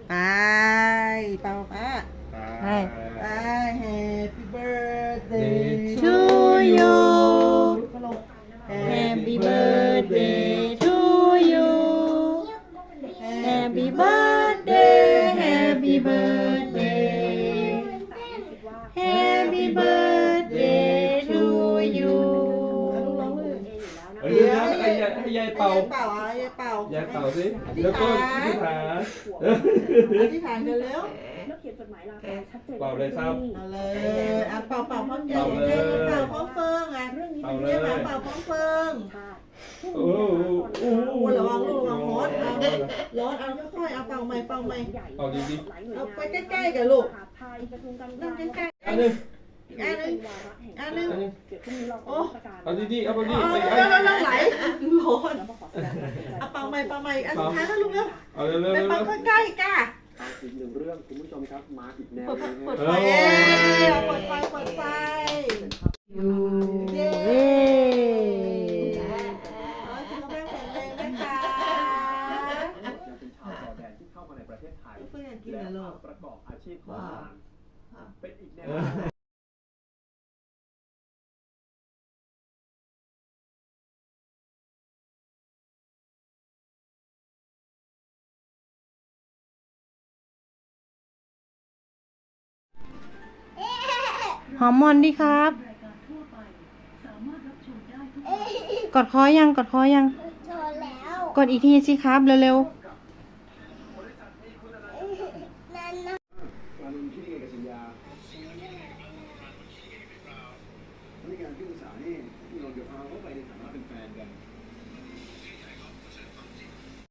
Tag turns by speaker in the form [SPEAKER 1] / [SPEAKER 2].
[SPEAKER 1] ไปเป่าป้า
[SPEAKER 2] ไป
[SPEAKER 1] Happy birthday
[SPEAKER 2] to you
[SPEAKER 1] Happy birthday
[SPEAKER 2] to you
[SPEAKER 1] Happy birthday Happy birthday
[SPEAKER 2] Happy birthday to you
[SPEAKER 3] เดี๋ยวให้ยายเป่า
[SPEAKER 1] เป่ายายเป่าย
[SPEAKER 3] ายเป่าสิแล้วก็อธิษฐาน
[SPEAKER 1] อธิษฐานกันเร็ว
[SPEAKER 3] เป่าเลยครับ
[SPEAKER 1] เอาเลยอ่ะเป่าพร้อมกันเป่าพร้อมเฟิงอ่ะเรียกเป่าพร้อมเฟิง
[SPEAKER 3] โอ้โห
[SPEAKER 1] ระวังลูกระวังร้อนเอาค่อยๆเอาเป่าใหม่
[SPEAKER 3] เป่าดี
[SPEAKER 1] เอาไปใกล้ๆกับลูกนั่งใกล้ๆ
[SPEAKER 3] อันนึง
[SPEAKER 1] อันนึงโอ้
[SPEAKER 3] เอาดีเอาดี
[SPEAKER 1] แล้วไหลร้อนเอาเป่าใหม่อันสุดท้ายแล้วลูกเร็ว
[SPEAKER 3] เอาเร็ว
[SPEAKER 1] ไปเป่าใกล้ๆก้า
[SPEAKER 4] อีกหนึ่งเรื่องคุณผู้ชมครับมาอีกแนว
[SPEAKER 1] เปิด
[SPEAKER 4] นึง
[SPEAKER 1] ไฟเปิดไฟ
[SPEAKER 2] ยูเย้
[SPEAKER 1] สุขภาพแข็งแรงนะคะ
[SPEAKER 4] เป็นชาวจอร์แดนที่เข้ามาในประเทศไทย
[SPEAKER 1] เพื่อนกิน
[SPEAKER 4] และ
[SPEAKER 1] นะลูก
[SPEAKER 4] ประกอบอาชีพของงานเป็นอีกแนว
[SPEAKER 2] หอมมอนดีครับ กดคอยัง
[SPEAKER 5] โชว์แล้ว
[SPEAKER 2] กดอีกทีสิครับเร็วๆ